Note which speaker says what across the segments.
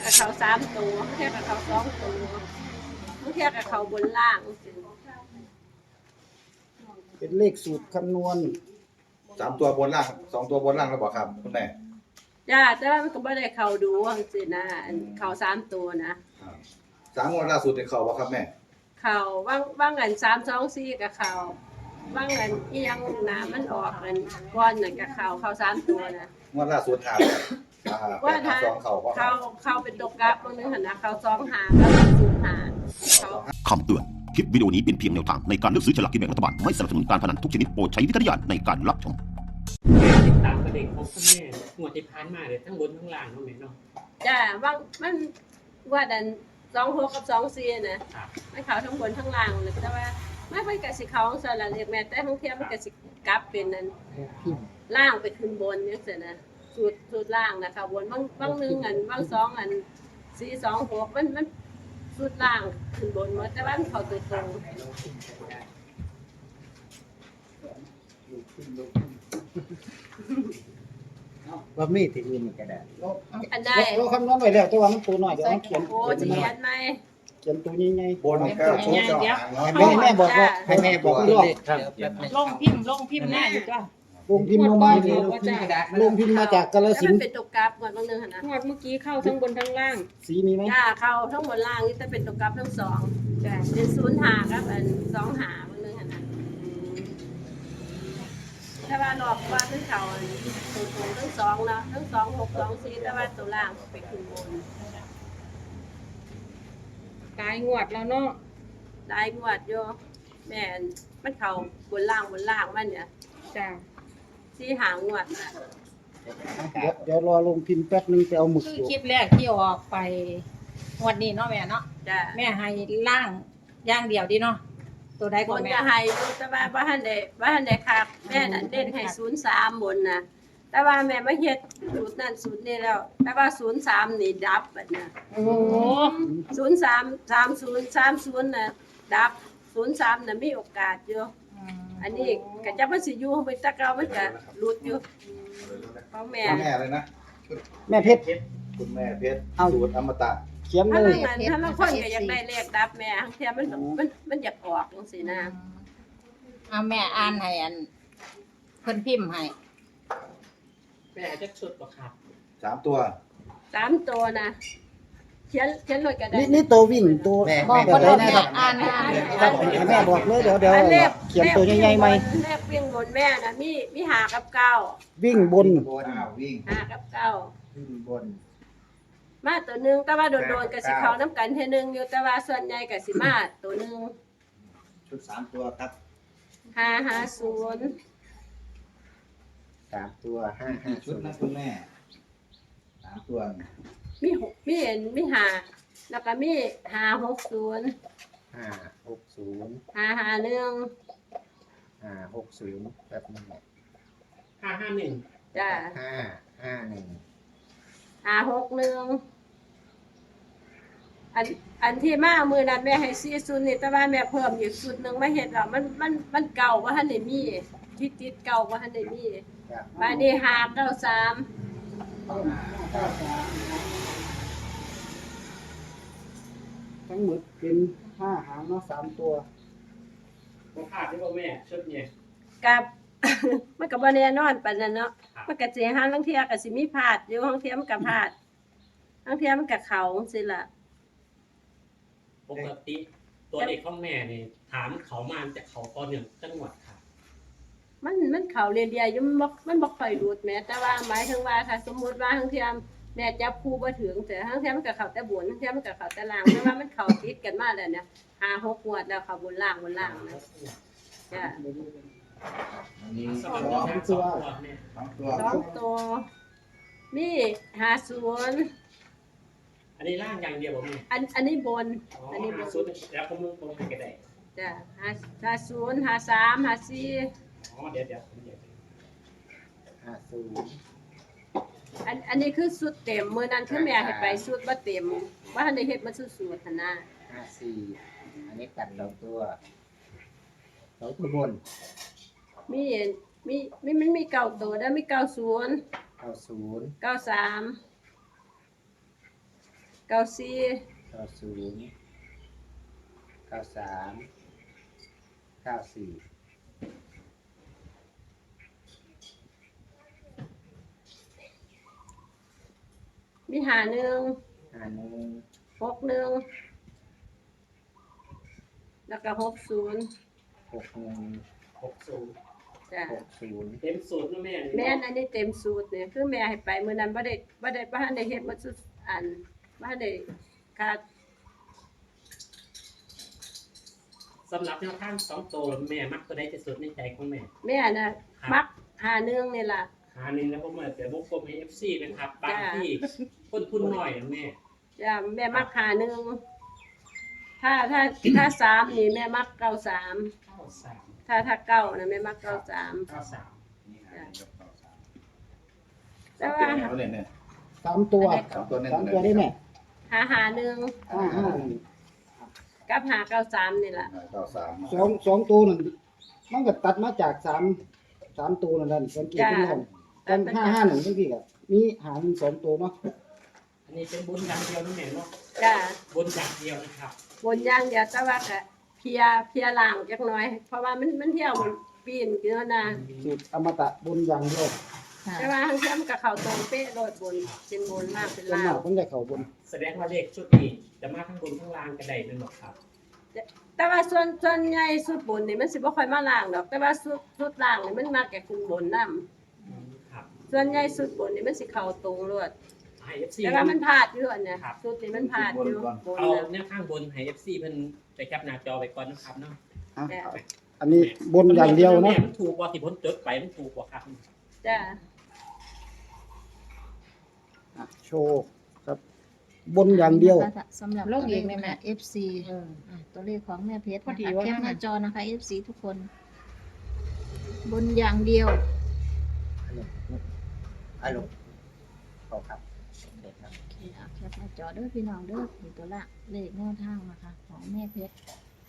Speaker 1: กับเขา3ตัวบางเทียกับเขา2ตัวบางเทียกับเขาบนล่าง
Speaker 2: เป็นเลขสูตรคำนวณ
Speaker 3: 3 ตัวบนล่าง2 ตัวบนล่างแล้วบอกครับคุณแม่
Speaker 1: จ้าแต่ว่ามันก็ไม่ได้เขาดูว่าสินะเขา3ตัวนะ
Speaker 3: 3 งวดล่าสุดในเขาบอกครับแม่
Speaker 1: เขาว่างเงิน324กับเขาว่างเงินอียังน้ำมันออกเงินก้อนน่ะกับเขา3ตัวนะ
Speaker 3: งวดล่าสุดหา
Speaker 1: ว่าถ้า
Speaker 3: 8 2เขา
Speaker 1: เป็นตกกลับบางนึงหันนะเขา2หากับ0หาเขา
Speaker 4: คำเตือน คลิปวิดีโอนี้เป็นเพียงแนวทางในการเลือกซื้อฉลากกินแบ่งรัฐบาล ไม่สนับสนุนการพนันทุกชนิดโปรดใช้วิจารณญาณในการรับชม
Speaker 5: ติดตามประเด็นของคุณแม่งวดที่ผ่านมาเลยทั้งบนทั้งล่างเนาะแม่เนาะ
Speaker 1: จ้าว่างมันว่าดัน26กับ24นะครับ มันเขาทั้งบนทั้งล่างเลยแต่ว่าไม่เป็นกสิเขาของสารเรียกแม่แต่ทั้งเทียมมันกสิกลับเป็นนั้นล่างไปขึ้นบนเนี่ยเสร็จนะสูตรล่างนะคะบนบาง1อันบาง2อัน426มันสูตรล่างขึ้นบนหมดแต่ว่ามันเขาตัวตรง
Speaker 2: ว่ามีที่อื่นก็ได้
Speaker 1: อันใด
Speaker 2: เราคำนวณไว้แล้วแต่ว่ามันตัวน้อยเดี๋ยวเราเขียน
Speaker 1: โอ้จะเขียนไหม
Speaker 2: เขียนตัวใหญ่
Speaker 3: บน9 ชุดเจ้าหางเนาะ
Speaker 2: ๆให้แม่บอกว่าให้แม่บอกรอบ
Speaker 6: ลงพิมพ์หน้าอยู่ก็
Speaker 2: ลงพิมพ์ลงมาดีลงพิมพ์มาจากกาฬ
Speaker 1: แล้ว
Speaker 2: สิน
Speaker 1: มัน
Speaker 2: ธุ์
Speaker 1: เป็นตัวกราฟก่อนบางนึงหันนะ
Speaker 6: งวดเมื่อกี้เข้าทั้งบนทั้งล่าง
Speaker 2: สีมีไหม
Speaker 1: จ้าเข้าทั้งบนล่างนี่จะเป็นตัวกราฟทั้งสองจ้าเป็น0หาครับอัน2หาบางนึงหันนะถ้าว่ารอบว่าทั้งเขาตัวตรงทั้ง2นะทั้ง2 6 2 4แต่ว่าตัวล่างไปขึ้นบน
Speaker 6: กายงวดแล้วเนาะ
Speaker 1: ได้งวดโยแม่นมันเขาบนล่างมันเนี่ย
Speaker 6: จ้า
Speaker 1: ที่หางวดนะ
Speaker 2: เดี๋ยวรอลงพิมพ์แป๊บนึงไปเอาหมึก
Speaker 7: คือ
Speaker 2: อยู่
Speaker 7: คลิปแรกที่ออกไปงวันนี้เนาะแม่เนาะ
Speaker 1: จ้า
Speaker 7: แม่ให้ล่างอย่างเดียวดีเนาะตัวใด
Speaker 1: บ
Speaker 7: ก็
Speaker 1: น
Speaker 7: แม่
Speaker 1: จะให้ดูแต่ว่าบ้านใดครับแม่น่ะเด่นให้03บนนะแต่ว่าแม่ไม่เฮ็ดสูตรนั้นสูตรนี้แล้ว แต่ว่า03นี่ดับบัดน่ะ
Speaker 7: โอ้โห
Speaker 1: 30น่ะดับ03น่ะมีโอกาสอยู่อันนี้ก็จะมันสิอยู่ไปแตะเก่ามันก็หลุดอยู่ของแม่
Speaker 3: คุณแม่เลยนะ
Speaker 2: แม่เพชร
Speaker 3: คุณแม่เพชร
Speaker 2: เอา
Speaker 3: สูตรอมตะ
Speaker 2: เขียน
Speaker 1: ถ้า
Speaker 2: เล
Speaker 1: บาย งอันถ้าบางคนก็อยากได้เลขดับแม่บางเทีมันอยากออกจังซี่นะ
Speaker 7: เอาแม่อ่านให้อันเพิ่นพิมพ์ให้
Speaker 5: แม่จะชุดบ่ครับ
Speaker 3: 3 ตัว
Speaker 1: 3ตัวนะเขียนเลยก็ได้
Speaker 2: นี่ตัววิ่งตัว
Speaker 7: บอก
Speaker 2: แบบ
Speaker 7: คน
Speaker 2: ไหน
Speaker 7: ละ
Speaker 2: นะ
Speaker 7: แม่
Speaker 2: ครับ
Speaker 7: อ่านให้
Speaker 2: ครับให้แม่บอกเลยเดี๋ยว
Speaker 1: อันเลข
Speaker 2: เขียนตัวใหญ่ๆไหม
Speaker 1: เลขวิ่งบนแม่น่ะมีหากับเก้า
Speaker 2: วิ่งบน
Speaker 3: วิ่ง
Speaker 1: หากับเก้า
Speaker 3: วิ่งบน
Speaker 1: มาตัวหนึงแต่ว่าโดนๆก็สิเข้าน้ำกันเทื่อนึงอยู่แต่ว่าส่วนใหญ่ก็สิมาตัวหนึง
Speaker 3: ชุด3 ตัวครับ
Speaker 1: 550
Speaker 2: 3 ตัว
Speaker 3: กี่ชุดนะคุณแม่3 ตัว
Speaker 1: มีหาแล้วก็มี560
Speaker 2: 560
Speaker 1: 551
Speaker 2: 560แบบนี้
Speaker 5: 551
Speaker 1: จ้า
Speaker 2: 551
Speaker 1: 561อันที่มามื้อนั้นแม่ให้40นี่แต่ว่าแม่เพิ่มอีกชุดหนึงมาเฮ็ดแล้วมันเก่าบ่ทันได้มีที่ติดเก่าบ่ทันได้มีบัดนี้593
Speaker 2: ทั้งหมดเป็น5หางเนาะ3ตัว
Speaker 5: บ่พลาดได้บ่แม่ชุดเนี่ย
Speaker 1: กับ มันก็บ่แน่นอนปานนั้นเนาะ
Speaker 5: ครับ
Speaker 1: มันก็สิหาลางเที่ยก็สิมีพลาดอยู่บางเที่ยมันก็พลาดบางเที่ยมันก็เข้าจังซี่ล่ะ
Speaker 5: ปกติตัวเลขของแม่นี่ถามเขามาจากเขาตอนหนึ่งจังหวัดครับ
Speaker 1: มันเข้าเรื่อยๆอยู่มันบ่ค่อยหลุดแหม้แต่ว่าหมายถึงว่าถ้าสมมุติว่าบางเที่ยแม่จับคู่บ่ถึงแต่บางเที่ยมันก็เข้าแต่บนบางเที่ยมันก็เข้าแต่ล่างแต่ว่ามันเข้าติดกันมาแล้วเนี่ย5-6งวดแล้วเข้าบนล่างนะจ้ะ
Speaker 3: อันนี้
Speaker 5: สองตัวแม่สองตัวแม่
Speaker 3: 2 ตัว
Speaker 1: สองตัวมี50
Speaker 5: อันนี้ล่างอย่างเดียวบ่แม่
Speaker 1: อันนี้บน
Speaker 5: อ๋อ
Speaker 1: อันนี้บน
Speaker 5: ชุดแล้วผมลงไปก็ได้
Speaker 1: จ้ะ50 53 54
Speaker 5: อ๋อเดี๋ยวผมเดี๋ยว
Speaker 2: 50
Speaker 1: อันนี้คือสุดเต็มมื้อนั้นคือแม่ให้ไปสุดบ่เต็มว่าทันได้เฮ็ดมาสุดๆหั่นนะ
Speaker 2: 54อันนี้ตัด2ตัว2ตัวบน
Speaker 1: มันมีเก้าตัวแล้วมี90
Speaker 2: 90
Speaker 1: 93 เก้าสี่
Speaker 2: 90 93 94
Speaker 1: มีหาหนึ่ง
Speaker 2: 51
Speaker 1: 6หนึ่งแล้วก็60
Speaker 2: 61
Speaker 5: 60
Speaker 1: จ้ะ
Speaker 2: 60
Speaker 5: เต็มสูตรนะแม่นี่
Speaker 1: แม่นอันนี้เต็มสูตรเนี่ยคือแม่ให้ไปมื้อนั้นบ่ได้เฮ็ดบ่สุดอันบ่ได้ขาด
Speaker 5: สำหรับแนวทาง2ตัวแม่มักตัวใดที่สุดในใจของแม่
Speaker 1: แม่น่ะมักหาหนึ่งนี่ล่ะ
Speaker 5: หาหนึ่งแล้วผมอาจจะวงกลมให้ FC นะครับบางที่คนทุนน้อยนะแม่
Speaker 1: จ้ะแม่มักหาหนึ่งถ้าสามนี่แม่มักเก้าสาม
Speaker 5: 93
Speaker 1: ถ้าเก้านะแม่มักเก้าสาม
Speaker 5: 93
Speaker 1: แต่ว่า
Speaker 3: เอาเนี่ย
Speaker 8: สามตัว
Speaker 3: สามตัวเน้น
Speaker 8: สามตัวได้แม่
Speaker 1: หาหนึ่ง
Speaker 8: 55
Speaker 1: กับหาเก้าสามนี่ล่ะ
Speaker 3: 93
Speaker 8: สองตัวนั่นมันก็ตัดมาจากสามตัวนั่นสังเกตที่นั่นกัน551จังซี่ก็มีหาง2ตัวเนาะ
Speaker 5: อันนี้เป็นบุญอย่างเดียวนะแม่เนาะ
Speaker 1: จ้ะ
Speaker 5: บุญอย่างเดียวนะครับ
Speaker 1: บนอย่างเดียวแต่ว่าก็เพลียล่างจักหน่อย เพราะว่ามันเที่ยวมันปีนเกินนะ
Speaker 8: สูตรอมตะบนอย่างเดียว
Speaker 7: ค่ะ
Speaker 1: แต่ว่าทางเทียมกับเขาตรงเป๊ะโลดบนเป็นบนล่างเป็น
Speaker 8: ส่วน
Speaker 1: ล่าม
Speaker 8: าง กมันจะเข้าบน
Speaker 5: แสดงว่าเลขชุดนี้จะมาทั้งบนทั้งล่างกันได้นั่นหรอครับ
Speaker 1: แต่ว่าส่วนใหญ่สุดบนนี่มันสิบ่ค่อยมาล่างดอก แต่ว่าสุดล่างนี่มันมาแก่ขึ้นบนนํ
Speaker 5: ครับ
Speaker 1: ส่วนใหญ่สุดบนนี่มันสิเข้าตรงโลด
Speaker 5: ให้ FC
Speaker 1: แต่ว่ามันพลาดอยู่อันเนี้ยสุดนี่มันพลาดอยู่บน
Speaker 5: เอา
Speaker 1: น่ะ
Speaker 5: แนวข้างบนให้ FC เพิ่นไปแคปหน้าจอไปก่อนนะครับเนาะ
Speaker 8: อ่ะ
Speaker 1: จ้ะ
Speaker 8: อันนี้บนอย่างเดียวเนาะ
Speaker 5: มันถูกกว่าที่ผมจดไปมันถูกกว่าครับ
Speaker 1: จ้ะ
Speaker 8: อ่ะโชว์ครับ บนอย่างเดียว
Speaker 7: สำหรับตัวเลขแม่ FC ตัวเลขของแม่เพชรนะคะแคปหน้าจอนะคะ FC ทุกคน บนอย่างเดียว
Speaker 2: อารมณ์ขอครับเด็กครับ
Speaker 7: โอเคเอาแคปหน้าจอเด้อพี่น้องเด้อนี่ตัวละเลขแนวทางนะคะของแม่เพชร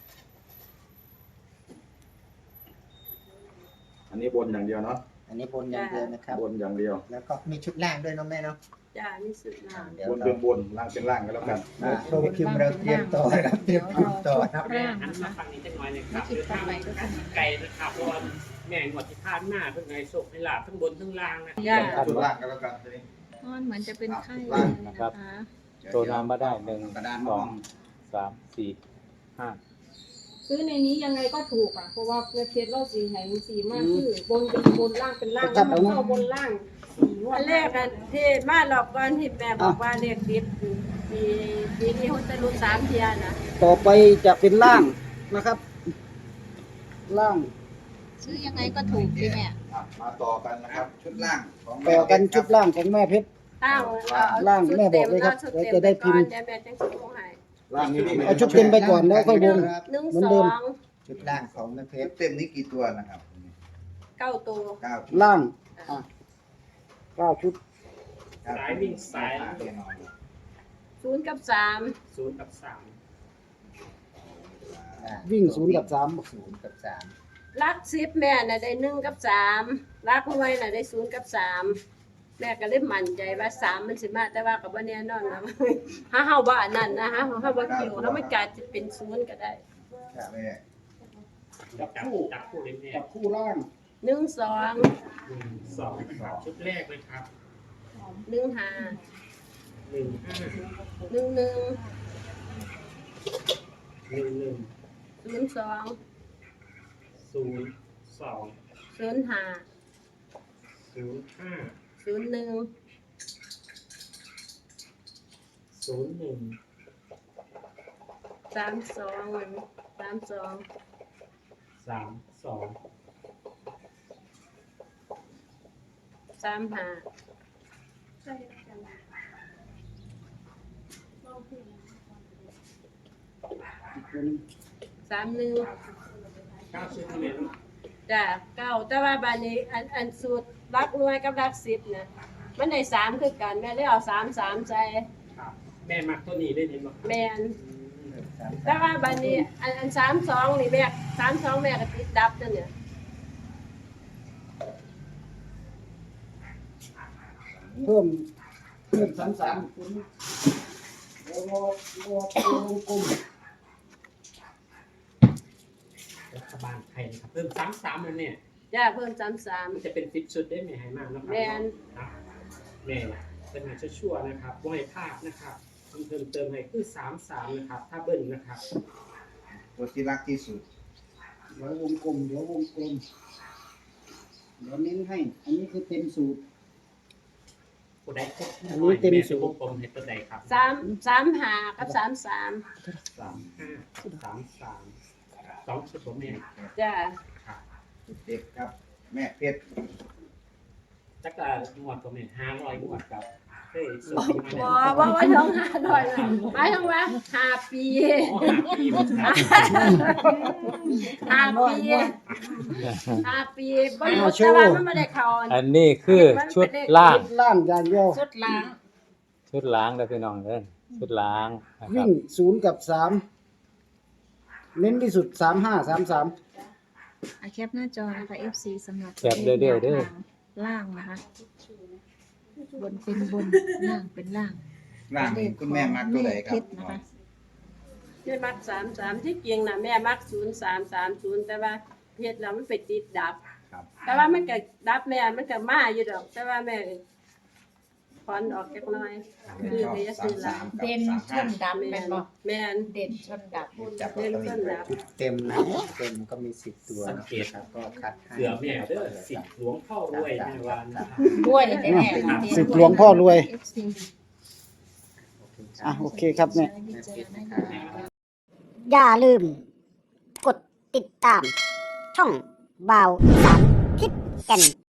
Speaker 3: อันนี้บนอย่างเดียวเนาะ
Speaker 2: อันนี้บนอย่างเดียวนะครับ
Speaker 3: บนอย่างเดียว
Speaker 2: แล้วก็มีชุดล่างด้วยเนาะแม่เนาะ
Speaker 1: จ้ะนี่สุดล่าง
Speaker 2: เดี๋ยว
Speaker 3: บน
Speaker 2: เรา
Speaker 3: เป็นบนล่างเป็นล่างกันแล้วกัน
Speaker 2: โดยพิมพ์เราเตรียมต่อครับเตรียมพิมพ์ต่อครับ
Speaker 5: แม่หันมาฟังนี้จังหน่อยนะครับเดี๋ยวทางไกลนะครับเพราะว่าแม่งวดที่ผ่านมาเพิ่นให้โชคให้ลาภทั้งบนทั้งล่างนะ
Speaker 1: จ้ะ
Speaker 3: ชุดล่างกันแล้วกันทีนี้
Speaker 7: มันเหมือนจะเป็นไข้
Speaker 3: ล่าง
Speaker 7: นะคะ
Speaker 9: ตัวน้ำมาได้หนึ่ง
Speaker 3: กระดาน
Speaker 9: ส
Speaker 3: ม
Speaker 9: อ
Speaker 3: อง ง
Speaker 9: สามสี่ห้า
Speaker 6: ซื้อในนี้ยังไงก็ถูกอ่ะเพราะว่าเพื่อเพชรเราสีไหนสีมากคือบนเป็นบนล่างเป็นล่างแล้วมันเข้าบนล่างสีงว
Speaker 1: อั
Speaker 6: ด
Speaker 1: นแรกอะที่มาหลอกก่อนที่แม่บอกว่าเลขติดปีนี้เขาจะรู้3เที่ยนะ
Speaker 8: ต่อไปจะเป็นล่างนะครับ ล่าง
Speaker 7: ซื้อยังไงก็ถูกพี่แม่
Speaker 3: มาต่อกันนะครับ ชุดล่างของ
Speaker 8: ต่อกันชุดล่างของแม่เพชร
Speaker 1: ตั้ง
Speaker 8: ล่างแม่บอกเลยครับ
Speaker 1: ชุ
Speaker 8: เดี๋ยวจะได้พิมพ์
Speaker 1: เดี๋ยวแม่จังสิลงให้
Speaker 3: ล่างนี่มี
Speaker 8: เอาชุดเต็มไปก่อนแล้วค่อยวง
Speaker 1: 1
Speaker 8: เหมือนเดิม
Speaker 1: 2
Speaker 2: ชุดล่างของแม่เพชร
Speaker 3: เต็มนี้กี่ตัวนะครับ
Speaker 1: 9ตัว
Speaker 3: 9ชุด
Speaker 8: ล่างอ่ะ9ชุด
Speaker 5: สายวิ่งสาย
Speaker 1: 0 กับ 3
Speaker 5: 0 กับ
Speaker 8: วิ่ง0 กับ
Speaker 2: 0 กับ
Speaker 1: ลัก10แม่น่ะได้1 กับ 3ลักหน่วยน่ะได้0 กับ 3แม่ก็เลยมั่นใจว่า3มันสิมาแต่ว่าก็บ่แน่นอนนะ ถ้าเฮาบ่อันนั้นนะฮะเฮาบ่คิวแล้วมันอาจจะเป็น0ก็ได้
Speaker 3: แม่
Speaker 5: 3จับคู่เลยแม่
Speaker 8: 3 กับคู่ล่าง
Speaker 1: 1 2
Speaker 5: 1 2ครับชุดแรกเลยครับ
Speaker 1: 1 5
Speaker 5: 1 5
Speaker 1: 1 1
Speaker 5: 1 1
Speaker 1: 0 2
Speaker 5: 0 2
Speaker 1: 0 5
Speaker 5: 0 5
Speaker 1: 0 1
Speaker 5: 0 1
Speaker 1: 3 2 3 2
Speaker 5: 3 2
Speaker 1: 3 5 3 1
Speaker 5: 9ชุดนี่แม่เนาะ
Speaker 1: จ้ะ9แต่ว่าบัดนี้อันสูตรรักหน่วยกับรัก10นะมันได้3คือกันแม่เลยเอา3 3ใส่
Speaker 5: ครับแม่มักตัวนี้ได้เห็นบ่
Speaker 1: แม่นแต่ว่าบัดนี้อัน3 2นี่แม่3 2แม่ก็ติดดับจังเนี่ย
Speaker 8: เพิ่ม33 ตัววงกลม
Speaker 5: รัฐบาลไทยนะครับเพิ่ม33แล้วเนี่ย
Speaker 1: จ้าเพิ่ม33
Speaker 5: มันจะเป็น10ชุดได้ไหมให้มากนะครับ
Speaker 1: แม่น
Speaker 5: ครับแม่เป็นหาชั่วๆนะครับบ่ให้พลาดนะครับเพิ่มเติมให้คือ33นะครับ ถ้าเบิ้ลนะครับ
Speaker 3: ตัวที่รักที่สุด
Speaker 8: เดี๋ยววงกลมเดี๋ยวเน้นให้ อันนี้คือเต็มสูตร
Speaker 5: ผู้ใดครบ
Speaker 8: อันนี้เต็มสู
Speaker 5: สู
Speaker 8: ต
Speaker 5: ว
Speaker 8: ร
Speaker 5: งกลมให้ตัวใดครับ
Speaker 1: 35กับ33
Speaker 5: 35 33 2ชุดผมเนี่ย
Speaker 1: จ้า
Speaker 5: ครับ
Speaker 3: เด็กครับ แม่เพชร
Speaker 5: จักรงวดก็แม่500งวดครับเฮ้ยสุด
Speaker 1: บ่
Speaker 5: ที่
Speaker 1: บ่
Speaker 5: มา
Speaker 1: บ่ถึง500นะหมายถึงว่า5 ปี
Speaker 5: 5ปีบ่ครับ
Speaker 1: 5 ปี5 ปีบ่รู้แต่ว่ามันไม่ได้เข้า
Speaker 9: อันนี้คือชุดล่าง
Speaker 8: ล่างอย่างเดียว
Speaker 7: สุดล้าง
Speaker 9: ชุดล้างเด้อพี่น้องเด้อชุดล้างนะครั
Speaker 8: วิ่
Speaker 9: บ
Speaker 8: ง0 กับ 3 เน้นที่สุด 35 33
Speaker 7: แคปหน้าจอนะคะ FC สำหรับ
Speaker 9: แคปเด้อเด้อเด้อ
Speaker 7: ล่างนะคะ บนเป็นบนล่างเป็นล่าง
Speaker 3: ร่างเห็นคุณแม่มักตัวใดครับ
Speaker 7: เลขเพชนะคะ
Speaker 1: แม่มัก33ที่จริงน่ะแม่มัก0330แต่ว่าเฮ็ดแล้วมันไปติดดับ
Speaker 3: ครับ
Speaker 1: แต่ว่ามันก็ดับแม่มันก็มาอยู่ดอก แต่ว่าแม่ถอนออกจักหน่อยคือไปจะซื้อหลาย
Speaker 3: เด่นชนดับ
Speaker 1: แม่นแม่น
Speaker 7: เด่นชนดับ
Speaker 2: จับลอตเตอรี่ไปชุดเต็มนะเต็มก็มี10ตัวนะครับก็คัดให้
Speaker 5: เสือแม่เด้อสิทธิ์หลวงพ่อรวยในวันนะครับ
Speaker 7: ด้วยแน่ๆค่ะ
Speaker 8: สิบหลวงพ่อรวย
Speaker 7: FC
Speaker 8: โอเคครับเนี่ย
Speaker 10: อย่าลืม กดติดตาม ช่องบ่าวอีสานทิศแก่น